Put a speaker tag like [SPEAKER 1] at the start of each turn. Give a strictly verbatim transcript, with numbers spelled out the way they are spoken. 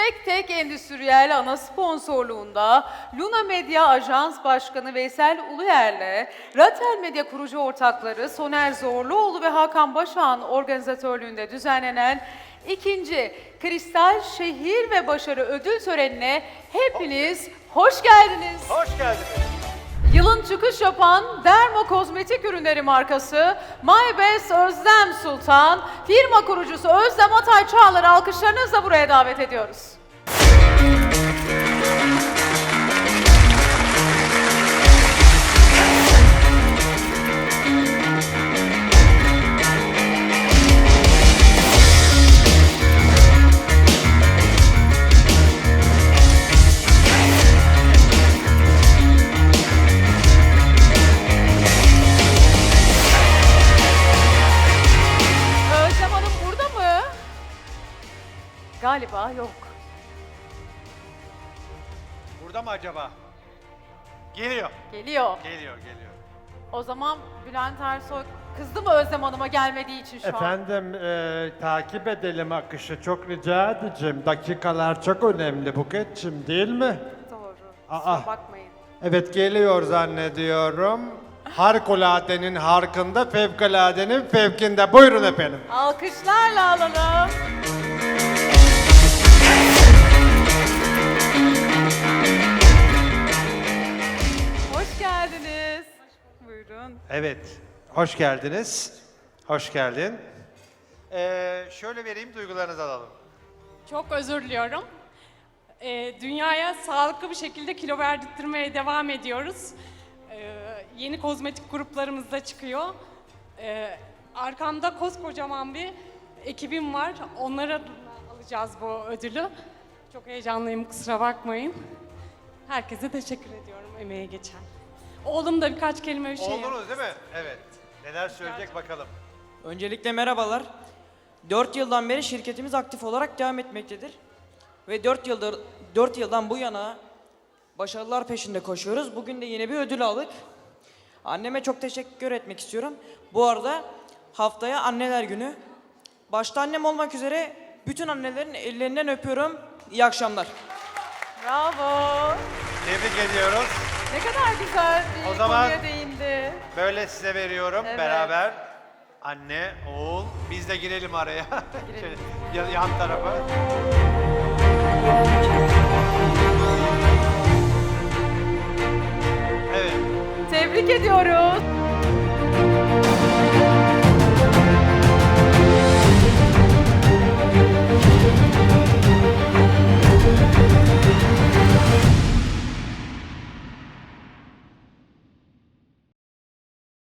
[SPEAKER 1] Tek Tek Endüstriyel ana sponsorluğunda Luna Medya Ajans Başkanı Veysel Uluyer'le Ratel Medya kurucu ortakları Soner Zorluoğlu ve Hakan Başak'ın organizatörlüğünde düzenlenen ikinci Kristal Şehir ve Başarı Ödül Töreni'ne hepiniz hoş geldiniz.
[SPEAKER 2] Hoş geldiniz.
[SPEAKER 1] Yılın çıkış yapan Dermo Kozmetik Ürünleri markası My Best Özlem Sultan, firma kurucusu Özlem Atay Çağlar'ı alkışlarınızla buraya davet ediyoruz. Özlem Hanım burada mı? Galiba yok.
[SPEAKER 2] Burada mı acaba? Geliyor.
[SPEAKER 1] Geliyor.
[SPEAKER 2] Geliyor, geliyor.
[SPEAKER 1] O zaman Bülent Ersoy kızdı mı Özlem Hanım'a gelmediği için şu an?
[SPEAKER 3] Efendim e, takip edelim akışı, çok rica edeceğim. Dakikalar çok önemli Buket'cim, değil mi?
[SPEAKER 1] Doğru.
[SPEAKER 3] Aa.
[SPEAKER 1] Kusura bakmayın.
[SPEAKER 3] Evet, geliyor zannediyorum. Harikuladenin harkında, fevkaladenin fevkinde. Buyurun efendim.
[SPEAKER 1] Alkışlarla alalım. Hoş geldiniz. Buyurun.
[SPEAKER 2] Evet, hoş geldiniz. Hoş geldin. Ee, şöyle vereyim, duygularınızı alalım.
[SPEAKER 4] Çok özür diliyorum. Ee, dünyaya sağlıklı bir şekilde kilo verdirtmeye devam ediyoruz. Ee, yeni kozmetik gruplarımız da çıkıyor. Ee, arkamda koskocaman bir ekibim var. Onlara alacağız bu ödülü. Çok heyecanlıyım, kusura bakmayın. Herkese teşekkür ediyorum emeğe geçen. Oğlum da birkaç kelime bir şey
[SPEAKER 2] Oldunuz değil mi? Evet. Neler söyleyecek bakalım.
[SPEAKER 5] Öncelikle merhabalar. dört yıldan beri şirketimiz aktif olarak devam etmektedir. Ve dört yıldır dört yıldan bu yana başarılar peşinde koşuyoruz. Bugün de yine bir ödül aldık. Anneme çok teşekkür etmek istiyorum. Bu arada haftaya Anneler Günü. Başta annem olmak üzere bütün annelerin ellerinden öpüyorum. İyi akşamlar.
[SPEAKER 1] Bravo.
[SPEAKER 2] Tebrik ediyoruz.
[SPEAKER 1] Ne kadar güzel bir
[SPEAKER 2] O zaman-
[SPEAKER 1] konuya değindi.
[SPEAKER 2] Böyle size veriyorum
[SPEAKER 1] Evet.
[SPEAKER 2] beraber. Anne, oğul, biz de girelim araya.
[SPEAKER 1] Girelim.
[SPEAKER 2] Şöyle yan, yan tarafa. Evet.
[SPEAKER 1] Tebrik ediyoruz.